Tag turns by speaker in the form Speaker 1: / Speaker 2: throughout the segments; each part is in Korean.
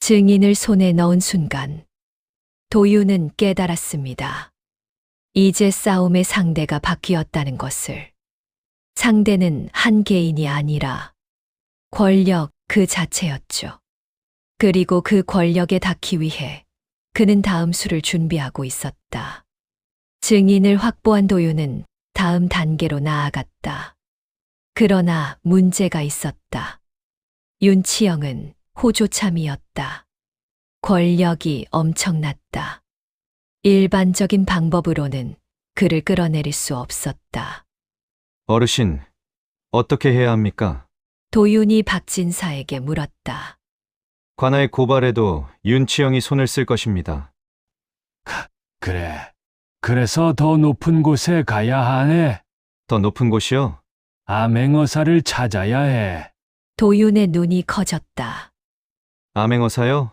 Speaker 1: 증인을 손에 넣은 순간 도윤은 깨달았습니다. 이제 싸움의 상대가 바뀌었다는 것을. 상대는 한 개인이 아니라 권력 그 자체였죠. 그리고 그 권력에 닿기 위해 그는 다음 수를 준비하고 있었다. 증인을 확보한 도윤은 다음 단계로 나아갔다. 그러나 문제가 있었다. 윤치영은 호조참이었다. 권력이 엄청났다. 일반적인 방법으로는 그를 끌어내릴 수 없었다.
Speaker 2: 어르신, 어떻게 해야 합니까?
Speaker 1: 도윤이 박진사에게 물었다.
Speaker 2: 관아에 고발해도 윤치영이 손을 쓸 것입니다.
Speaker 3: 그래. 그래서 더 높은 곳에 가야 하네.
Speaker 2: 더 높은 곳이요?
Speaker 3: 암행어사를 찾아야 해.
Speaker 1: 도윤의 눈이 커졌다.
Speaker 2: 암행어사요?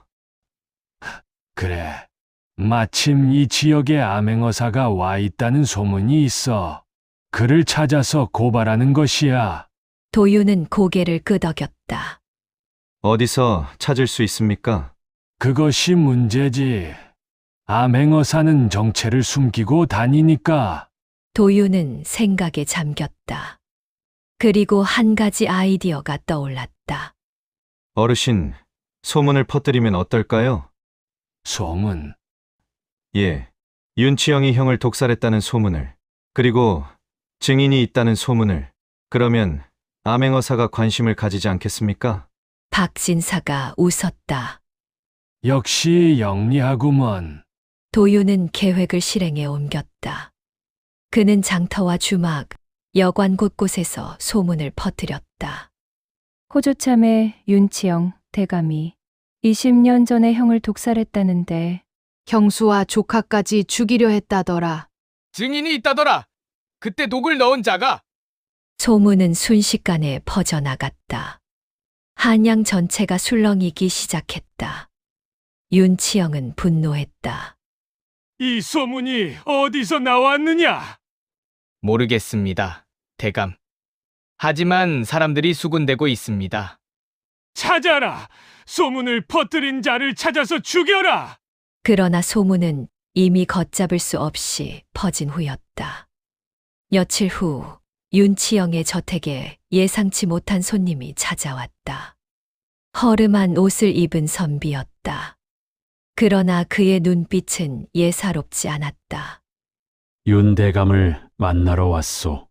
Speaker 3: 그래. 마침 이 지역에 암행어사가 와 있다는 소문이 있어. 그를 찾아서 고발하는 것이야.
Speaker 1: 도윤은 고개를 끄덕였다.
Speaker 2: 어디서 찾을 수 있습니까?
Speaker 3: 그것이 문제지. 암행어사는 정체를 숨기고 다니니까.
Speaker 1: 도윤은 생각에 잠겼다. 그리고 한 가지 아이디어가 떠올랐다.
Speaker 2: 어르신, 소문을 퍼뜨리면 어떨까요?
Speaker 3: 소문.
Speaker 2: 예, 윤치영이 형을 독살했다는 소문을, 그리고 증인이 있다는 소문을. 그러면 암행어사가 관심을 가지지 않겠습니까?
Speaker 1: 박진사가 웃었다.
Speaker 3: 역시 영리하구먼.
Speaker 1: 도윤은 계획을 실행에 옮겼다. 그는 장터와 주막, 여관 곳곳에서 소문을 퍼뜨렸다.
Speaker 4: 호조참의 윤치영 대감이 20년 전에 형을 독살했다는데
Speaker 5: 형수와 조카까지 죽이려 했다더라.
Speaker 6: 증인이 있다더라. 그때 독을 넣은 자가.
Speaker 1: 소문은 순식간에 퍼져나갔다. 한양 전체가 술렁이기 시작했다. 윤치영은 분노했다.
Speaker 3: 이 소문이 어디서 나왔느냐?
Speaker 6: 모르겠습니다, 대감. 하지만 사람들이 수군대고 있습니다.
Speaker 3: 찾아라! 소문을 퍼뜨린 자를 찾아서 죽여라!
Speaker 1: 그러나 소문은 이미 걷잡을 수 없이 퍼진 후였다. 며칠 후 윤치영의 저택에 예상치 못한 손님이 찾아왔다. 허름한 옷을 입은 선비였다. 그러나 그의 눈빛은 예사롭지 않았다.
Speaker 3: 윤 대감을 만나러 왔소.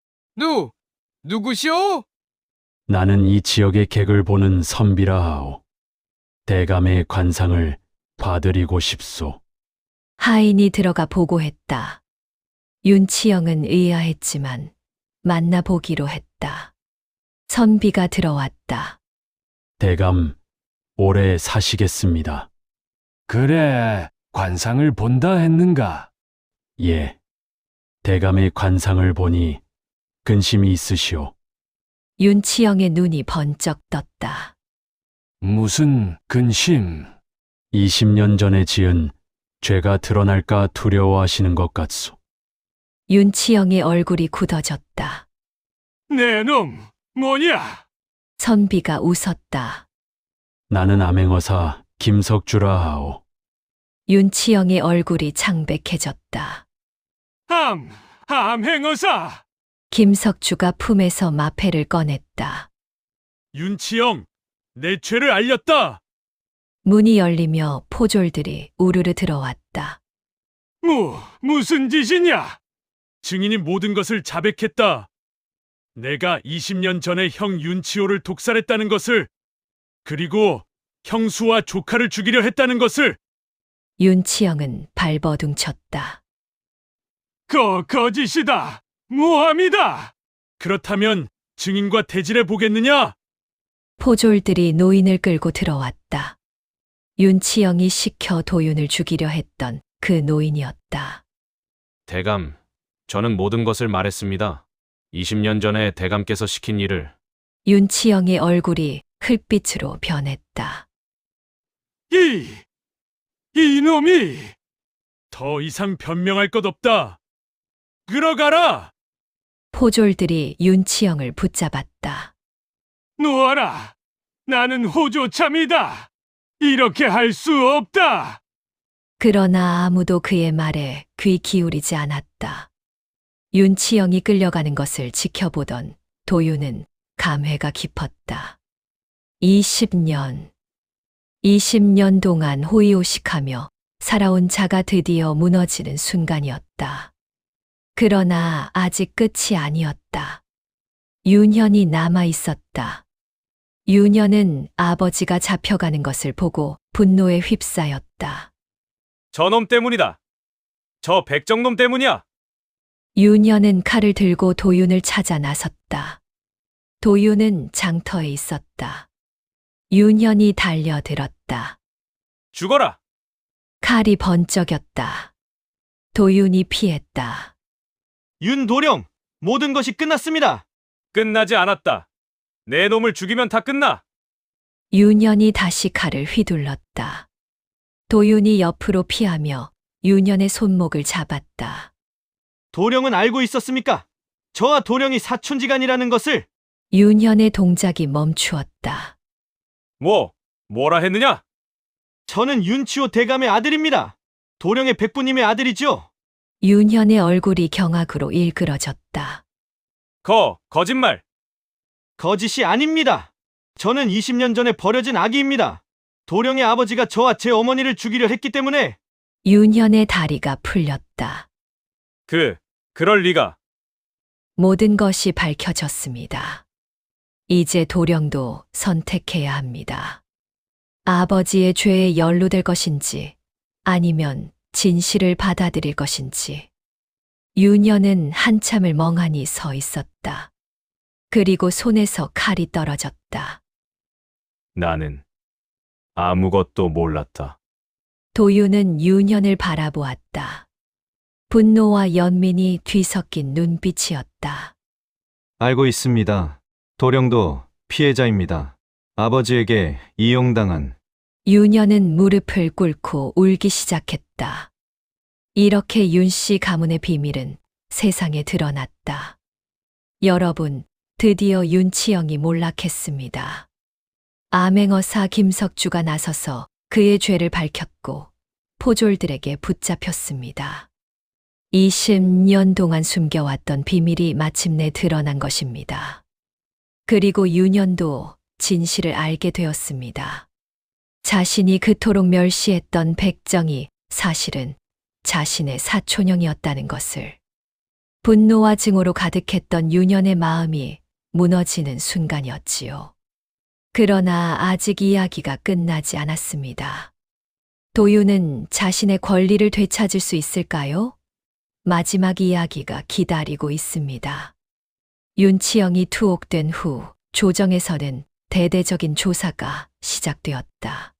Speaker 6: 누구시오?
Speaker 3: 나는 이 지역의 객을 보는 선비라 하오. 대감의 관상을 봐드리고 싶소.
Speaker 1: 하인이 들어가 보고했다. 윤치영은 의아했지만 만나보기로 했다. 선비가 들어왔다.
Speaker 3: 대감, 오래 사시겠습니다. 그래, 관상을 본다 했는가? 예. 대감의 관상을 보니 근심이 있으시오.
Speaker 1: 윤치영의 눈이 번쩍 떴다.
Speaker 3: 무슨 근심? 20년 전에 지은 죄가 드러날까 두려워하시는 것 같소.
Speaker 1: 윤치영의 얼굴이 굳어졌다.
Speaker 3: 내 놈, 뭐냐?
Speaker 1: 선비가 웃었다.
Speaker 3: 나는 암행어사 김석주라 하오.
Speaker 1: 윤치영의 얼굴이 창백해졌다.
Speaker 3: 암행어사!
Speaker 1: 김석주가 품에서 마패를 꺼냈다.
Speaker 3: 윤치영, 내 죄를 알렸다!
Speaker 1: 문이 열리며 포졸들이 우르르 들어왔다.
Speaker 3: 무슨 짓이냐? 증인이 모든 것을 자백했다. 내가 20년 전에 형 윤치호를 독살했다는 것을, 그리고 형수와 조카를 죽이려 했다는 것을.
Speaker 1: 윤치영은 발버둥쳤다.
Speaker 3: 거짓이다! 모함이다! 그렇다면 증인과 대질해 보겠느냐?
Speaker 1: 포졸들이 노인을 끌고 들어왔다. 윤치영이 시켜 도윤을 죽이려 했던 그 노인이었다.
Speaker 7: 대감, 저는 모든 것을 말했습니다. 20년 전에 대감께서 시킨 일을.
Speaker 1: 윤치영의 얼굴이 흙빛으로 변했다.
Speaker 3: 이놈이! 더 이상 변명할 것 없다. 끌어가라!
Speaker 1: 포졸들이 윤치영을 붙잡았다.
Speaker 3: 놓아라! 나는 호조참이다! 이렇게 할 수 없다.
Speaker 1: 그러나 아무도 그의 말에 귀 기울이지 않았다. 윤치영이 끌려가는 것을 지켜보던 도윤은 감회가 깊었다. 20년 동안 호의호식하며 살아온 자가 드디어 무너지는 순간이었다. 그러나 아직 끝이 아니었다. 윤현이 남아 있었다. 윤현은 아버지가 잡혀가는 것을 보고 분노에 휩싸였다.
Speaker 7: 저놈 때문이다. 저 백정놈 때문이야.
Speaker 1: 윤현은 칼을 들고 도윤을 찾아 나섰다. 도윤은 장터에 있었다. 윤현이 달려들었다.
Speaker 7: 죽어라.
Speaker 1: 칼이 번쩍였다. 도윤이 피했다.
Speaker 2: 윤도령, 모든 것이 끝났습니다.
Speaker 7: 끝나지 않았다. 내 놈을 죽이면 다 끝나.
Speaker 1: 윤현이 다시 칼을 휘둘렀다. 도윤이 옆으로 피하며 윤현의 손목을 잡았다.
Speaker 2: 도령은 알고 있었습니까? 저와 도령이 사촌지간이라는 것을.
Speaker 1: 윤현의 동작이 멈추었다.
Speaker 7: 뭐라 했느냐?
Speaker 2: 저는 윤치호 대감의 아들입니다. 도령의 백부님의 아들이죠.
Speaker 1: 윤현의 얼굴이 경악으로 일그러졌다.
Speaker 7: 거짓말.
Speaker 2: 거짓이 아닙니다. 저는 20년 전에 버려진 아기입니다. 도령의 아버지가 저와 제 어머니를 죽이려 했기 때문에.
Speaker 1: 윤현의 다리가 풀렸다.
Speaker 7: 그럴 리가.
Speaker 1: 모든 것이 밝혀졌습니다. 이제 도령도 선택해야 합니다. 아버지의 죄에 연루될 것인지 아니면 진실을 받아들일 것인지. 윤현은 한참을 멍하니 서 있었다. 그리고 손에서 칼이 떨어졌다.
Speaker 7: 나는 아무것도 몰랐다.
Speaker 1: 도윤은 윤현을 바라보았다. 분노와 연민이 뒤섞인 눈빛이었다.
Speaker 2: 알고 있습니다. 도령도 피해자입니다. 아버지에게 이용당한.
Speaker 1: 윤현은 무릎을 꿇고 울기 시작했다. 이렇게 윤씨 가문의 비밀은 세상에 드러났다. 여러분, 드디어 윤치영이 몰락했습니다. 암행어사 김석주가 나서서 그의 죄를 밝혔고 포졸들에게 붙잡혔습니다. 20년 동안 숨겨왔던 비밀이 마침내 드러난 것입니다. 그리고 윤현도 진실을 알게 되었습니다. 자신이 그토록 멸시했던 백정이 사실은 자신의 사촌형이었다는 것을. 분노와 증오로 가득했던 윤현의 마음이 무너지는 순간이었지요. 그러나 아직 이야기가 끝나지 않았습니다. 도윤은 자신의 권리를 되찾을 수 있을까요? 마지막 이야기가 기다리고 있습니다. 윤치영이 투옥된 후 조정에서는 대대적인 조사가 시작되었다.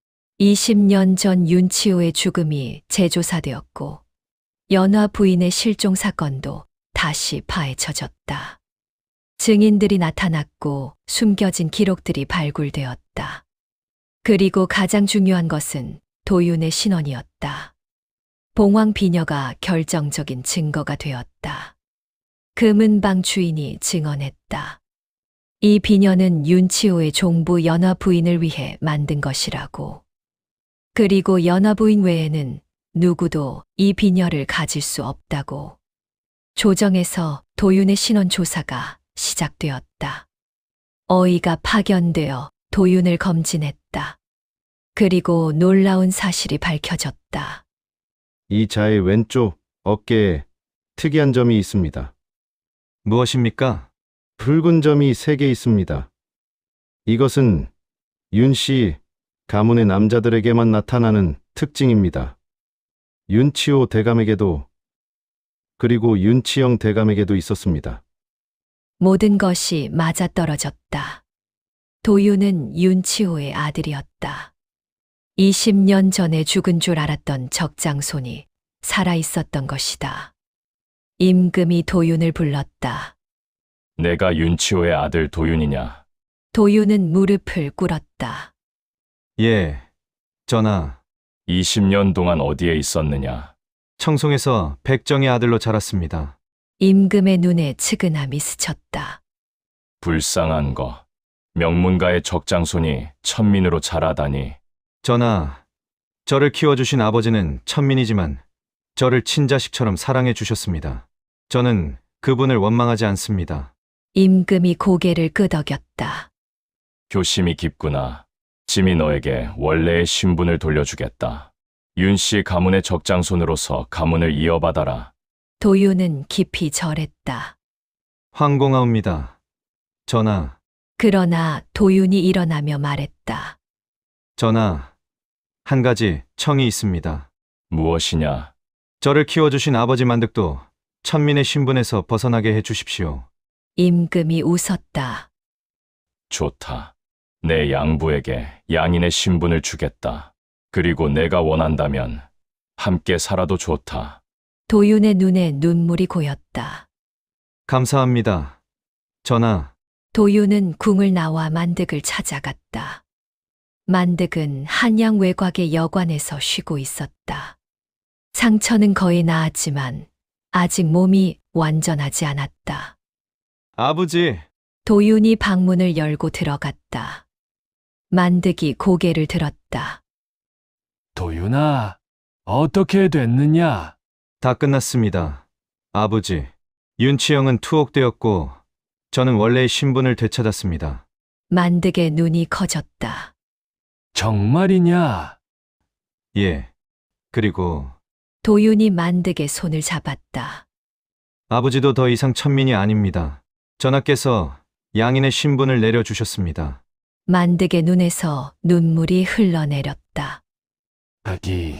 Speaker 1: 20년 전 윤치호의 죽음이 재조사되었고 연화 부인의 실종 사건도 다시 파헤쳐졌다. 증인들이 나타났고 숨겨진 기록들이 발굴되었다. 그리고 가장 중요한 것은 도윤의 신원이었다. 봉황 비녀가 결정적인 증거가 되었다. 금은방 주인이 증언했다. 이 비녀는 윤치호의 종부 연화 부인을 위해 만든 것이라고. 그리고 연화 부인 외에는 누구도 이 비녀를 가질 수 없다고. 조정에서 도윤의 신원 조사가 시작되었다. 어이가 파견되어 도윤을 검진했다. 그리고 놀라운 사실이 밝혀졌다.
Speaker 8: 이 자의 왼쪽 어깨에 특이한 점이 있습니다.
Speaker 2: 무엇입니까?
Speaker 8: 붉은 점이 3개 있습니다. 이것은 윤 씨 가문의 남자들에게만 나타나는 특징입니다. 윤치호 대감에게도 그리고 윤치영 대감에게도 있었습니다.
Speaker 1: 모든 것이 맞아떨어졌다. 도윤은 윤치호의 아들이었다. 20년 전에 죽은 줄 알았던 적장손이 살아있었던 것이다. 임금이 도윤을 불렀다.
Speaker 3: 내가 윤치호의 아들 도윤이냐?
Speaker 1: 도윤은 무릎을 꿇었다.
Speaker 2: 예, 전하.
Speaker 3: 20년 동안 어디에 있었느냐?
Speaker 2: 청송에서 백정의 아들로 자랐습니다.
Speaker 1: 임금의 눈에 측은함이 스쳤다.
Speaker 3: 불쌍한 거. 명문가의 적장손이 천민으로 자라다니.
Speaker 2: 전하, 저를 키워주신 아버지는 천민이지만 저를 친자식처럼 사랑해 주셨습니다. 저는 그분을 원망하지 않습니다.
Speaker 1: 임금이 고개를 끄덕였다.
Speaker 9: 효심이 깊구나. 짐이 너에게 원래의 신분을 돌려주겠다. 윤씨 가문의 적장손으로서 가문을 이어받아라.
Speaker 1: 도유는 깊이 절했다.
Speaker 2: 황공하옵니다. 전하,
Speaker 1: 그러나 도윤이 일어나며 말했다.
Speaker 2: 전하, 한 가지 청이 있습니다.
Speaker 9: 무엇이냐?
Speaker 2: 저를 키워주신 아버지 만득도 천민의 신분에서 벗어나게 해 주십시오.
Speaker 1: 임금이 웃었다.
Speaker 9: 좋다. 내 양부에게 양인의 신분을 주겠다. 그리고 내가 원한다면 함께 살아도 좋다.
Speaker 1: 도윤의 눈에 눈물이 고였다.
Speaker 2: 감사합니다. 전하,
Speaker 1: 도윤은 궁을 나와 만득을 찾아갔다. 만득은 한양 외곽의 여관에서 쉬고 있었다. 상처는 거의 나았지만 아직 몸이 완전하지 않았다.
Speaker 2: 아버지,
Speaker 1: 도윤이 방문을 열고 들어갔다. 만득이 고개를 들었다.
Speaker 3: 도윤아, 어떻게 됐느냐?
Speaker 2: 다 끝났습니다. 아버지, 윤치영은 투옥되었고 저는 원래의 신분을 되찾았습니다.
Speaker 1: 만득의 눈이 커졌다.
Speaker 3: 정말이냐?
Speaker 2: 예. 그리고
Speaker 1: 도윤이 만득의 손을 잡았다.
Speaker 2: 아버지도 더 이상 천민이 아닙니다. 전하께서 양인의 신분을 내려주셨습니다.
Speaker 1: 만득의 눈에서 눈물이 흘러내렸다.
Speaker 3: 아기,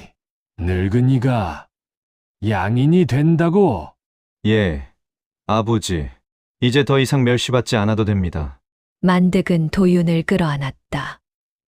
Speaker 3: 늙은이가 양인이 된다고?
Speaker 2: 예. 아버지, 이제 더 이상 멸시받지 않아도 됩니다.
Speaker 1: 만득은 도윤을 끌어안았다.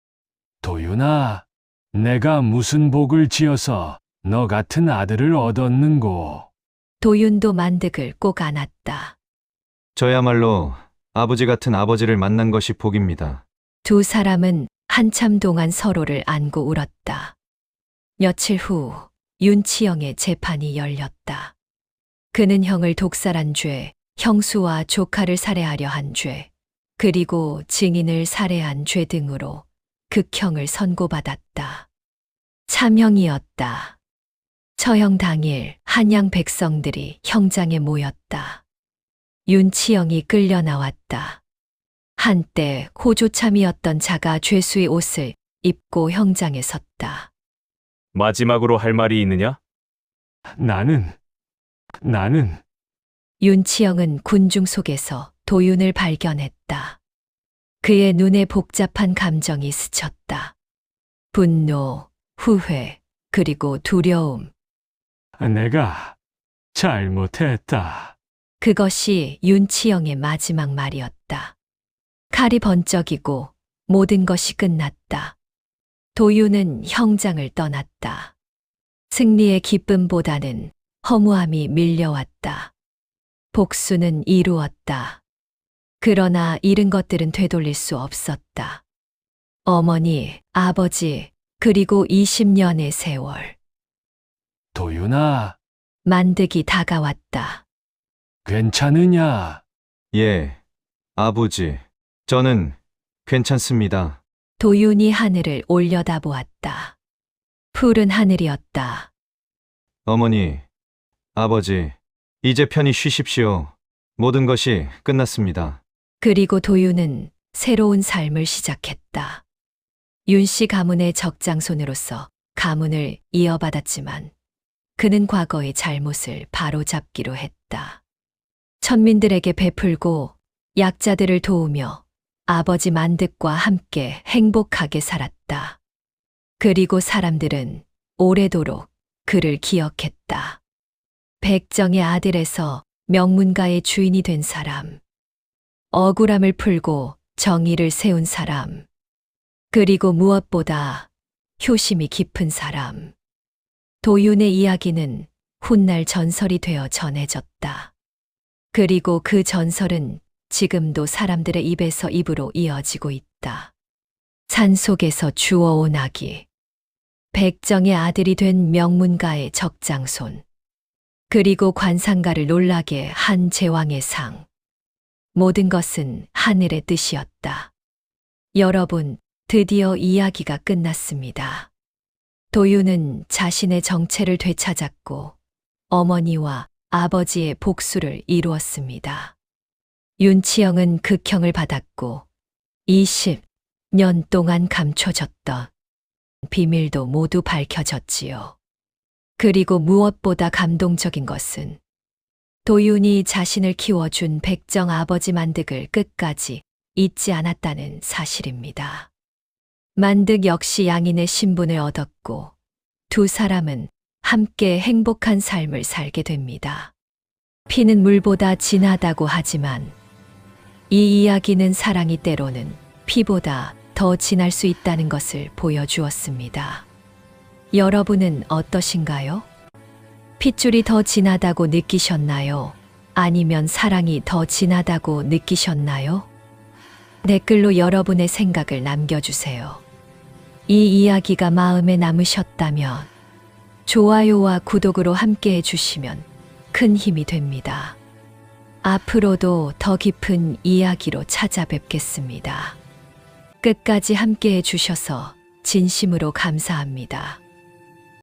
Speaker 3: 도윤아, 내가 무슨 복을 지어서 너 같은 아들을 얻었는고?
Speaker 1: 도윤도 만득을 꼭 안았다.
Speaker 2: 저야말로 아버지 같은 아버지를 만난 것이 복입니다.
Speaker 1: 두 사람은 한참 동안 서로를 안고 울었다. 며칠 후 윤치영의 재판이 열렸다. 그는 형을 독살한 죄, 형수와 조카를 살해하려 한 죄, 그리고 증인을 살해한 죄 등으로 극형을 선고받았다. 참형이었다. 처형 당일 한양 백성들이 형장에 모였다. 윤치영이 끌려 나왔다. 한때 호조참이었던 자가 죄수의 옷을 입고 형장에 섰다.
Speaker 7: 마지막으로 할 말이 있느냐?
Speaker 3: 나는
Speaker 1: 윤치영은 군중 속에서 도윤을 발견했다. 그의 눈에 복잡한 감정이 스쳤다. 분노, 후회, 그리고 두려움.
Speaker 3: 내가 잘못했다.
Speaker 1: 그것이 윤치영의 마지막 말이었다. 칼이 번쩍이고 모든 것이 끝났다. 도윤은 형장을 떠났다. 승리의 기쁨보다는 허무함이 밀려왔다. 복수는 이루었다. 그러나 잃은 것들은 되돌릴 수 없었다. 어머니, 아버지, 그리고 20년의 세월.
Speaker 3: 도윤아,
Speaker 1: 만득이 다가왔다.
Speaker 3: 괜찮으냐?
Speaker 2: 예. 아버지, 저는 괜찮습니다.
Speaker 1: 도윤이 하늘을 올려다보았다. 푸른 하늘이었다.
Speaker 2: 어머니, 아버지, 이제 편히 쉬십시오. 모든 것이 끝났습니다.
Speaker 1: 그리고 도윤은 새로운 삶을 시작했다. 윤씨 가문의 적장손으로서 가문을 이어받았지만 그는 과거의 잘못을 바로잡기로 했다. 천민들에게 베풀고 약자들을 도우며 아버지 만득과 함께 행복하게 살았다. 그리고 사람들은 오래도록 그를 기억했다. 백정의 아들에서 명문가의 주인이 된 사람, 억울함을 풀고 정의를 세운 사람, 그리고 무엇보다 효심이 깊은 사람. 도윤의 이야기는 훗날 전설이 되어 전해졌다. 그리고 그 전설은 지금도 사람들의 입에서 입으로 이어지고 있다. 산속에서 주워온 아기, 백정의 아들이 된 명문가의 적장손, 그리고 관상가를 놀라게 한 제왕의 상. 모든 것은 하늘의 뜻이었다. 여러분, 드디어 이야기가 끝났습니다. 도윤은 자신의 정체를 되찾았고 어머니와 아버지의 복수를 이루었습니다. 윤치영은 극형을 받았고 20년 동안 감춰졌던 비밀도 모두 밝혀졌지요. 그리고 무엇보다 감동적인 것은 도윤이 자신을 키워준 백정 아버지 만득을 끝까지 잊지 않았다는 사실입니다. 만득 역시 양인의 신분을 얻었고 두 사람은 함께 행복한 삶을 살게 됩니다. 피는 물보다 진하다고 하지만 이 이야기는 사랑이 때로는 피보다 더 진할 수 있다는 것을 보여주었습니다. 여러분은 어떠신가요? 핏줄이 더 진하다고 느끼셨나요? 아니면 사랑이 더 진하다고 느끼셨나요? 댓글로 여러분의 생각을 남겨주세요. 이 이야기가 마음에 남으셨다면 좋아요와 구독으로 함께 해주시면 큰 힘이 됩니다. 앞으로도 더 깊은 이야기로 찾아뵙겠습니다. 끝까지 함께 해주셔서 진심으로 감사합니다.